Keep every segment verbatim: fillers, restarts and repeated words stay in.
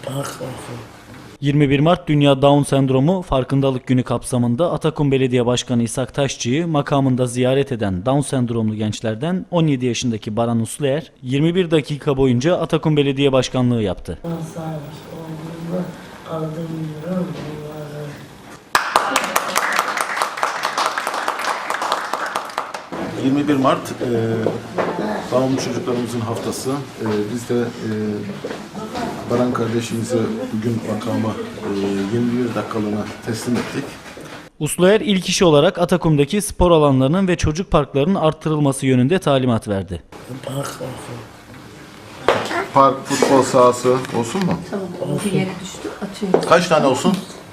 yirmi bir Mart Dünya Down Sendromu Farkındalık Günü kapsamında Atakum Belediye Başkanı İshak Taşçı'yı makamında ziyaret eden Down sendromlu gençlerden on yedi yaşındaki Baran Usluer yirmi bir dakika boyunca Atakum Belediye Başkanlığı yaptı. yirmi bir Mart e, Down çocuklarımızın haftası. E, biz de e, Baran kardeşimizi bugün makama e, yirmi bir dakikalığına teslim ettik. Usluer ilk iş olarak Atakum'daki spor alanlarının ve çocuk parklarının arttırılması yönünde talimat verdi. Park, futbol sahası olsun mu? Tamam, o bir yere düştü, atıyoruz. Kaç tane olsun?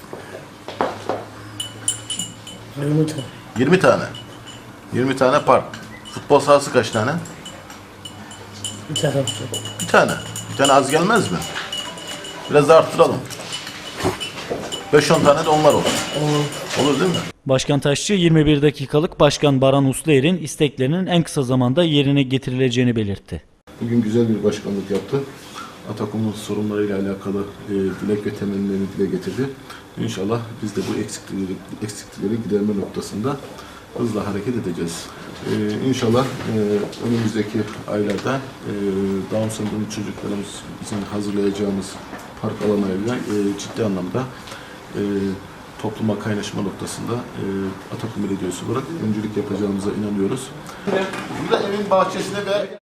yirmi tane. yirmi tane. yirmi tane park. Futbol sahası kaç tane? Bir tane olsun. Bir tane. Bir tane az gelmez mi? Biraz da arttıralım. beş on tane de onlar olsun. Olur. Olur değil mi? Başkan Taşçı yirmi bir dakikalık Başkan Baran Usluer'in isteklerinin en kısa zamanda yerine getirileceğini belirtti. Bugün güzel bir başkanlık yaptı. Atakum'un sorunlarıyla alakalı e, dilek ve temennilerini dile getirdi. İnşallah biz de bu eksiklikleri, eksiklikleri giderme noktasında hızla hareket edeceğiz. Ee, inşallah e, önümüzdeki aylarda e, Down sendromlu çocuklarımız bizim hazırlayacağımız park alanlarıyla e, ciddi anlamda e, topluma kaynaşma noktasında e, Atakum Belediyesi olarak öncülük yapacağımıza inanıyoruz. Burada evin bahçesine ve